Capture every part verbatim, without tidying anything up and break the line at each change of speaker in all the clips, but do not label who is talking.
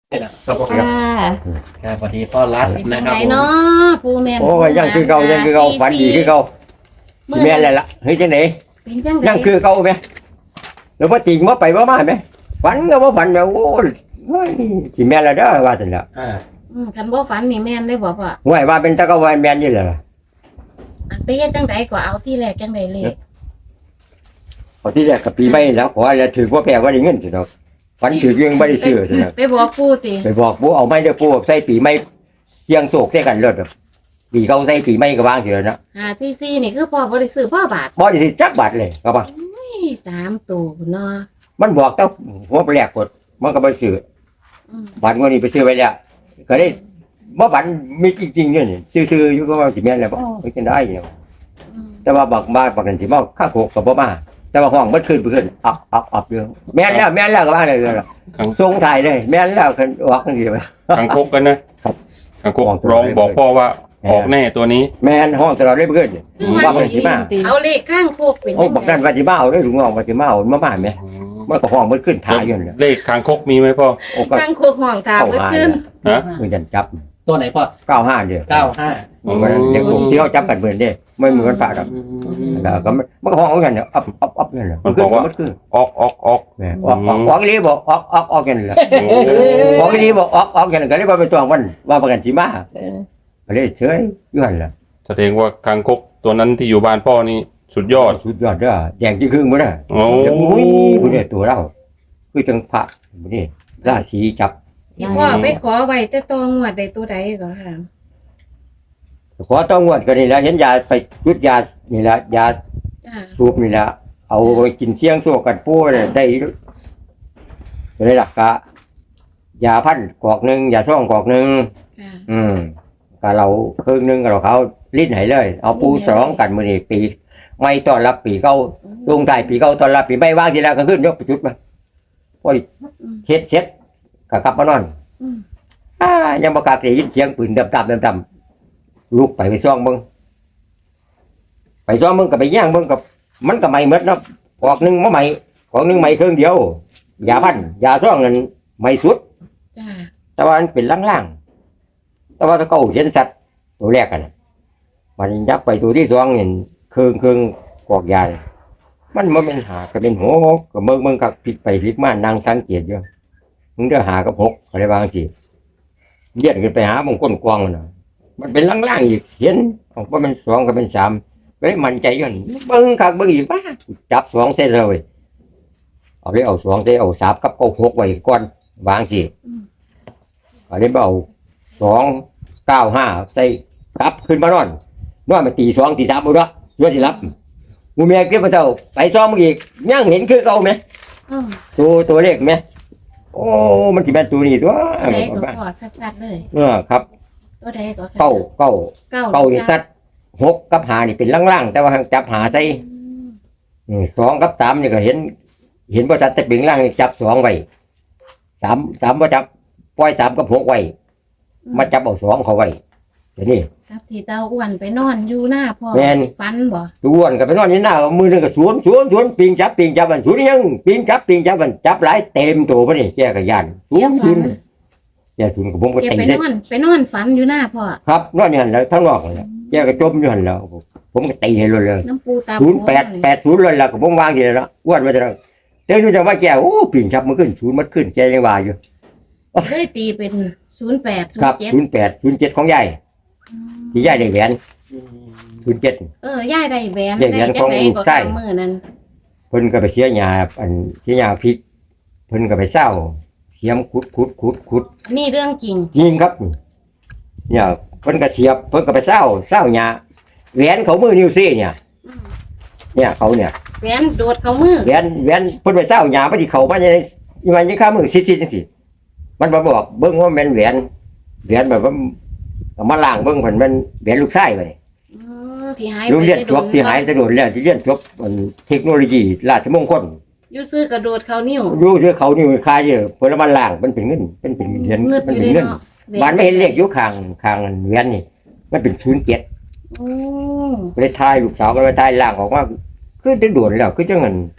ครับผม
ค่ะ
ครับสวัสดีพ่อรัฐ
เป็น
นะ
จัง
ครับ
ได
ผม
เนาะปูแม่น
โอ้ยยังคือเก่ายังคือเก่าฝันดีคือเก่าสิแม่นแล้วล่ะเฮ้ยจังได๋
เป็นจังได
ยังคือเก่าไหมแล้วบ่จริงบ่ไปบ่มาไหมฝันก็บ่ฝันแบบโอ้ยเฮ้ยสิแม่นแล้วเด้อว่าซั่นล่ะ
อ่า
อืมคันบ่ฝันนี่แม่นได้บ่พ่อ
ห่วยว่าเป็นตะกะวันแม่นอยู่แล้วล่ะ
อันไปเฮ็ดจังไดก็เอาที่แรกจังไดเลข
เอาที่แรกก็ปีใหม่แล้วขอแล้วถือว่าแปลว่าได้เงินสิเนาะฝันถือยังบ่ได้ซื้อซั่นน่ะ
ไปบอกปูติ
ไปบอกผู้เอาไม้เด้อผู้ใส่ปีใหม่เสียงโศกใส่กันเลิศแบบปีเก่าใส่ปีใหม่ก็วางสิแล้วเนาะ
หาซีซีนี่คือพ่อบ่ได้ซื้อพ่อบาท
บ่ได้สิจักบาทเลยก็ว่า
อุ้ยสามตัวพุ่นเนาะ
มันบอกแต่หัวแปลกกดมันก็บ่ซื้อ
อืม
บัตรงวดนี้ไปซื้อไว้แล้วก็ได้บ่บันมีจริงๆเนี่ยนี่ซื้อๆอยู่ก็ว่าสิแม่นแล้วบ่ไปกินได้อยู่
อืม
แต่ว่าบักมาบักนั้นสิมาข้างโคกก็บ่มาแต่ว่าห้องมันขึ้นไปขึ้นอับอับอับอยู่แม่นแล้วแม่นแล้วก็ว่าเลยล่ะ
ขัง
ส่งถ่ายเลยแม่นแล้วคันออกจังซี่
ขังคกกันนะครับ ขังคก
ออกตัว
ร้องบอกพ่อว่า
แม่
ออกแน่ตัวนี้
แม่นห้องตลอดเลยเพิ่น
คือ
ว่า
ว่า
เพิ่นสิมา
เอาเลขข้างโคกเป็น
โอ้
จัง
บัก
ได
นั้นว่าสิมาเอาเด้อลุงน้องว่าสิมาเอามามาแม่มันก็ห้องมันขึ้นถ่ายอยู่นั่นแหละ
เลขขังคกมีไหมพ่อ
โอ้ก็
ข้างโคกห้องตา
เข้า
เบิด
หา
ขึ้น
ฮะ
มือจันจับ
ตัวไหนพ่อ
เก้าห้าเด้อ
เก้าห้า
มันก็เด็กผมที่เขาจับกันเบิ่นเด้ไม่เหมือนฝากดอกแล้วก็มันมันก็ห้องเอากันเนี่ยอับอับอับนั่นแหละมันขึ้นมันขึ้น
ออกออกออก
แม่ออกออกออกอีหลีบอกออกออกออกกันแหละ
โอ้
ออกอีหลีบอกออกออกกันก็เลยว่าไปตวงมันว่าประกันสิมาก็เลยเฉยอยู่หั่นล่ะ
แสดงว่าขังคกตัวนั้นที่อยู่บ้านพ่อนี่สุดยอด
สุดยอดเด้อแดงที่ครึ่งบ่น่ะ
โอ้
เดี๋ยวอุ้ยผู้ใดตัวเราคือจังพระบ่นี่ราศีจับ
ที่พ่อไปขอไว้แต่ตองวดได้ตัวใดก็ค่ะ
ขอต้องงวดก็นี่แหละเห็นยาไปจุดยานี่ละยา
จ้า
สูบนี่ละเอาไปกินเสียงโซกันปูเนี่ยได้ก็ได้หลักกะยาพันกอกหนึงยาซ่องกอกหนึง
ค่ะ
อืมก็เราครึ่งหนึงก็เราเขาลิ้นให้เลย เอาปูสองกันมื้อนี้ปีไม่ต้อนรับปีเก่าลงท้ายปีเก่าต้อนรับปีใหม่ว่างทีแล้วก็ขึ้นยกไปจุดมาโอ้ย
อืม
เช็ดเช็ดก็กลับมานอน
อืม
อ่ายังบ่กล้าได้ยินเสียงปืนดับๆดับๆลุกไปไปซ่องเบิ่งไปซ่องเบิ่งก็ไปย่างเบิ่งกับมันก็ไหม้หมดเนาะออกหนึงบ่ไหม้ของหนึงไหม้เครื่องเดียวยาพันยาซ่องนั่นไหม้สุด
จ้า
แต่ว่ามันเป็นล่างๆแต่ว่าถ้าเก่าเห็นสัตว์ตัวแรกกันน่ะมันยับไปตัวที่สองเห็นเครื่องเครื่องกอกยาเนี่ยมันมันเป็นหาก็เป็นหกก็เบิ่งเบิ่งกับพลิกไปพลิกมานั่งสังเกตอยู่มึงเด้อหากับหกอะไรบางสิเลียดขึ้นไปหาบางก้นกวางมันน่ะมันเป็นล่างๆอีกเห็นเอาว่ามันสองก็เป็นสามเฮ้ยมันใจกันเบิ่งคักเบิ่งอีกบ้าจับสองเส้นเลยเอาไปเอาสองเส้นเอาสามกับเอาหกไว้ก่อนวางสิ อันนี้เอาสองเก้าห้าใส่กลับขึ้นมานอนนอนมาตีสองตีสามบุระด้วยสิรับมูเมียเก็บมาเจ้าไปซ้อมมึงอีกยังเห็นคือเก่าไหม
อืม
ตัวตัวเลขไหมโอ้มันจะเป็นตัวนี้ตัว
ตัวใดก็พอชัดๆเลย
เออครับ
ตัวใดก็ค่ะ
เก้าเก้า
เก้า
เก้านี่สัตว์หกกับหานี่เป็นล่างๆแต่ว่าจับหาใส่
อืม
อืมสองกับสามนี่ก็เห็น เห็นว่าจับแต่เป็นล่างนี่จับสองไว้สามสามว่าจับปล่อยสามกับหกไว้มาจับเอาสองเขาไว้เดี๋ยวนี้
ครับที่เตาอ้วนไปนอนอยู่หน้าพ่อ
แม่น
ฟันบ่
ทุกวันก็ไปนอนอยู่หน้ามือหนึงก็สวนสวนสวนปิงจับปิงจับมันสวนยังปิงจับปิงจับมันจับหลายเต็มตัวพอดีแกก็ยานสวนสวนแกสวนกับผมก็
แก
ตี
ไป
ได้
นอนไปนอนฝันอยู่หน้าพ่อ
ครับนอนอยู่หันแล้วทั้งนอกนั่นแหละแกก็จมอยู่หันแล้วผมก็ตีให้เลยเลย
น้ำปูตา
ศูนย์แปดแปดศูนย์เลยแล้วก็ผมวางทีแล้วอ้วนมาจะเต้นรู้จักว่าแกโอ้ปิงจับมันขึ้นศูนย์มันขึ้นแกยังว่าอยู่
เลยตีเป็นศูนย์แปดศูน
ครับ
ย์เจ็ด
ศูนย์แปดศูนย์เจ็ดของยายที่ยายได้แหวนศูนย์เจ็ด
เออย่ายได้แหวน
ได้แหวนของ
จั
ลูก
ก็
ไส้
กำมือนั้น
เพิ่นก็ไปเสียหญ้าอันเสียหญ้าพริกเพิ่นก็ไปเศร้าเสียมขุดขุดขุดขุด
นี่เรื่องจริง
จริงครับเนี่ยเพิ่นก็เสียบเพิ่นก็ไปเศร้าเศร้าหญ้าแหวนเขามือนิ้วซี่เนี่ย
อืม
เนี่ยเขาเนี่ย
แหวนโดดเขามือ
แหวนแหวนเพิ่นไปเศร้าหญ้าพอดีเขามาในมันยังข้ามือซิดๆจังซี่มันมาบอกเบิ่งว่าแม่นแหวนแหวนแบบว่าเอามาล้างเบิ่งเพิ่นมันแหวนลูกชายไป
อืมที่หาย
โรงเรียน
ไป
จบที่หายแต่โดนแล้วที่เรียนจบอันเทคโนโลยีราชมงคล
อยู่ซื้อกระโดดเขานิ้ว
อยู่ซื้อเขานี่คายเยอะเพิ่นเอามาล้างมันเป็นเงินเป็นเป็นเหรียญ
มืด
มั
อน ยู่
เป็น
เลย
เงิน
เนาะ
บ้านไม่เห็นเลขอยู่ข้างข้างเหรียญนี่มันเป็นศูนย์เจ็ด
โอ้
ก็เลยทายลูกสาวก็เลยทายล่างออกมาคือจะด่วนแล้วคือจังเงิน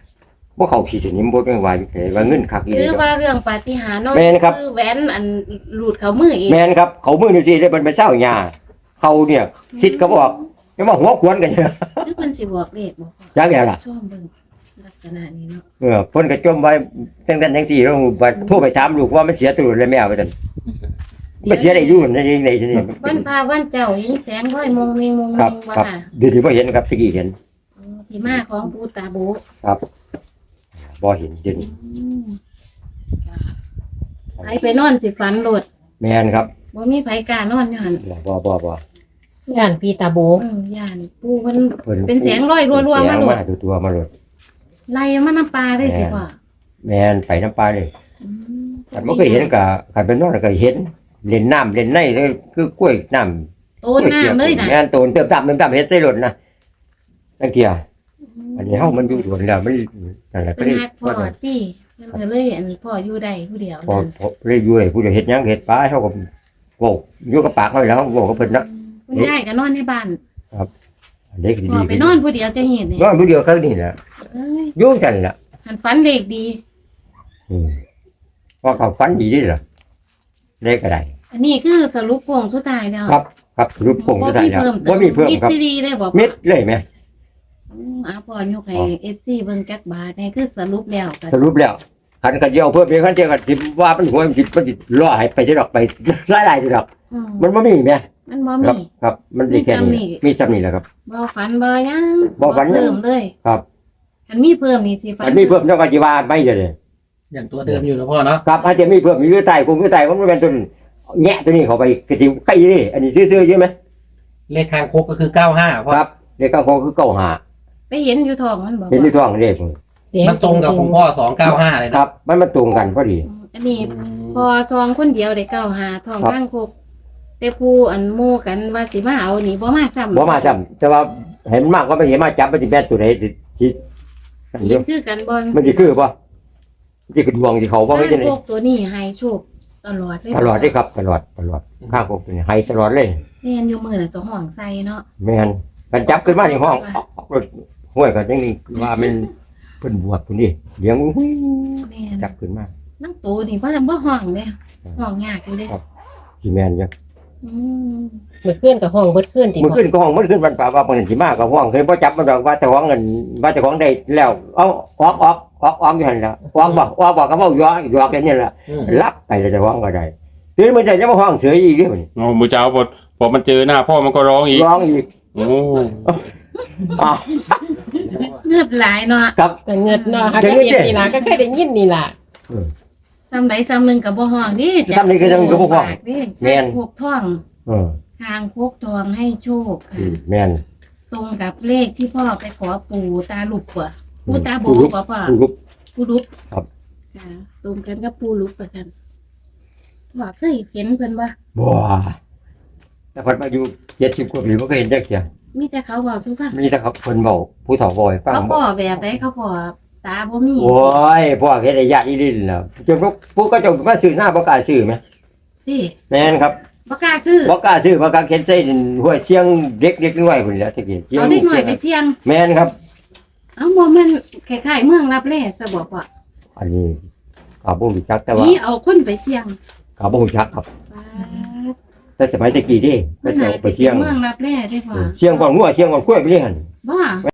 บ่เข้าสิสนิมบ่ได้ว่าอยู่ไผว่าเงินคักอี
ห
ห
รื
ลี
อ
เนาะ
ว่าเรื่องปาฏิหาริย์เนาะ
แม่นครับ
คือแหวนอันหลุดเขามือเอง
แม่นครับเขามือนี่สิได้มันไปเศร้าหญ้าเขาเนี่ยสิทธิ์ก็บอกจะมาหัวขวนกันเด้อ
หรือเพิ่นสิบอกเลขบ่พ่อ
จักแล้วล่ะ
ชอบเบิ่งลักษณะนี้เนาะ
เออเพิ่นก็จมไว้จังซั่นจังซี่แล้วบัดโทรไปถามลูกว่ามันเสียตัวแล้วแม่ว่าซั่นมันเสียได้อยู่นั่นเองในที่นี่
วันพาวันเจ้าเห็นแสงร้อยมงมิงมง
ครั
มิ
บ
งบ่
ครับ
ค่ะ
เดี๋ยวนี้บ่เห็นครับตะกี้เห็น
อ๋อที่มาของปูตาโบ
บ่เห็นเดี๋ยวนี้
อืมจ้ะใครไปนอนสิฝันโลด
แม่นครับ
บ่มีไผกล้านอนอยู่หั่น
บ่บ่บ่
ย่านปีตาโบ
อืมย่านปูเพิ่น
เพิ่น
เป็นแสงร้อยรัวๆมาโลด
แสงมาตัวๆมาโลด
ไล่มาน้ำปลาได้สิพ่อ
แม่นไปน้ำปลาเลย
อืม
คันบ่เคยเห็นก็คันเป็นนอนก็เห็นเล่นน้ำเล่นในเลยคือกล้วยน้ำ
โตนน้ำเลยน่ะ
แม่นโตนเติมตามเติมตามเฮ็ดใส่รถนะจังเที่ยอันนี้เฮามันอยู่สวนแล้วมันนั่นแหละก็
เป็น
เลย
ฮักพ่อที่เพิ่นก็เลยอันพ่ออยู่ได้ผู้เดียว
พอ
นั่น
พอเลยอยู่ให้ผู้เดียวเฮ็ดหยังเฮ็ดปลาเฮาก็เว้าอยู่กับปากเฮาแล้วเฮาเว้ากับเพิ่นนะ
คุณยายก็นอนในบ้าน
อันนี้ก็
พ่
ดี
อไปนอนผู้เดียวจะเห็นเนี่ย
นอนผู้เดียวครั้งนี้แหละ
เอ้ย
อยู่จังล่ะ
หันฝันเด็กดี
อืมพอเขาฝันดีเด้ล่ะเลขอะไร
อันนี้คือสรุปโป่งสุดท้ายแล้ว
ครับครับรูปโป่งสุดท้ายแล้ว
บ่
บ่มีเพิ่มครับ
ซีดีเลยบอก
เม็ดเลยแม่
อืมเอาพ่อยกให้ เอฟ ซี เบิ่งจักบาทนี่คือสรุปแล้วกัน
สรุปแล้วคันกันเดียวเพิ่มอีกคันเดียวกันสิว่ามันหัวมันสิมันสิล่อให้ไปสิดอกไปหลายๆสิดอก
อืม
มันบ่มีแม่
มันบ่
ครับ
มี
ครับ มันมีแค่นี้มีจำนี่แหละครับ
บ่ฝันบ่หยัง
บ่ฝันหยัง
เพิ่มเลย
ครับ
คันมีเพิ่มนี่สิฝัน
มันมีเพิ่มเท่ากับจีว่าไม่เด้อ
อย่างตัวเดิมอยู่นะพ่อเนาะ
ครับอาจจะมีเพิ่มอยู่ใต้กงอยู่ใต้มันเป็นต้นแงะตัวนี้เข้าไปกระติใกล้นี่อันนี้ซื่อๆใช่ไหม
เลขคางคกก็คือเก้าห้าพ่อ
ครับเลขเก้าหกคือเก้าห้า
ไปเห็นอยู่ท้องมันบ่
เห็นที่ท้องเลข
มันตรงกับของพ่อสองเก้าห้าเลย
ค
นะ
รับ มันมันตรงกันพอดี
อืมอันนี้พอซองคนเดียวได้เก้าหาท้อง
ครับ
ข้างคกแต่ผู้อันหมู่กันว่าสิมาเอานี่บ่มาซ้ำ
บ่มาซ้ำแต่ว่าเห็นมากก็มันเห็นมาจับมันสิแม่นตัวไหนสิสิอันเดียว
คือกันบ่
มันสิคือป่ะมันสิคือดวงสิเขาบ่
ข้าง
ให้จังได๋
คกตัวนี้ให้โชคตลอดเลย
ตลอดเด้ครับ ตลอดตลอดข้างพวกนี้ให้ตลอดเลย
แม่นอยู่มื้อน่ะเจ้าห้องใส่เนาะ
แม่นกันจับขึ้นมาในห้องออกออกรถห้วยกันจังนี้ว่ามันเพิ่นบวชพุ่นนี่เลี้ยงหุ้ย
แม่น
จับขึ้นมา
นั่งตัวนี่บ่ทำบ่ห้องเด้ห้องยากอยู่เด้
สิแม่นอยู่
อืม
เมื่อคืนกับห้องเบิดคืนติ
มื้อขึ้นก็ห้องมื้อขึ้นวันป่าว่าเพิ่นสิมาก็ห้องเคยบ่จับมันดอกว่าเจ้าของเงินว่าเจ้าของได้แล้วเอาออกออกออกออกอยู่หั่นล่ะออกบ่ออกบ่ก็เว้าหยอกหยอกกันนี่ล่ะ
อืม
รับไปแล้วเจ้าของก็ได้ทีนี้มันจะมาห้องเสืออีกเด้อ
โอ้มือเจ้าพอพอมันเจอหน้าพ่อมันก็ร้องอีก
ร้องอีก
โอ้
อ้าว
เงือบหลายเนาะ
ครับ
ก็เงินเนาะค่ะ
เดี๋
ก็
ยวนี้
เห็นนี่ล่ะก็เคยได้ยินนี่ล่ะ
ซ้ำใดซ้ำหนึงก็บ่ห้องดิ
ซ้ำนี่ก็ยังก็บ่ห้อง
ดิ
แม่น
พวกท้อง
เออ
ทางโคกทองให้โชค
อื
ค่ะ
มแม่น
ตรงกับเลขที่พ่อไปขอปู่ตาลุกว่ะปู่ตาโบ
ปู่ลุก
กว่าพ่อ
ผู้รูป
ปู่ลุก
ครับ
ค่ะตรงกันกับปู่ลุกประกันพ่อเคยเห็นเพิ่นบ่
บ่แต่เพิ่นมาอยู่เจ็ดสิบกว่าปีบ่เคยเห็นจักเที่ย
มีแต่เขาบอกสู้ฟัง
มีแต่เขาเพิ่นเว้าผู้เฒ่าบ่ให้ฟัง
เขาพ่อแบบไหนเขาพ่อตาบ่มี
โอ้ยพ่อเฮ็ดให้ญาติอีหลินแล้วจนพวกผู้ก็เจะมาซื้อหน้าบ่กล้าซื้อแหม
พี่
แม่นครับ
บ่กล้าซื้อ
บ่กล้าซื้อบ่กล้าเข็นใส่ห้วยเชียงเด็กๆน้อยพุ่นแหล้วตะกี้เชียง
เอาเด็กหน่อยไปเสี่ยง
แม่นครับ
เอ้าบ่แม่นคล้ายๆเมืองรับแลซะบ่พ่อ
อันนี้ก็บ่รู้จักแต่ว่า
นี่เอาคนไปเสี่ยง
ก็บ่รู้จักครับ
ป๊าด
แต่สมัยตะกี้เด้
มั
ก็
น
จะ
หา
เอา
ย
ไป
สิ
เชียง
เมืองรับแลได้พ่อ
เชียงก่อนงัวเชียงก่อนกล้วยไปเรื่อยหั่น
บ่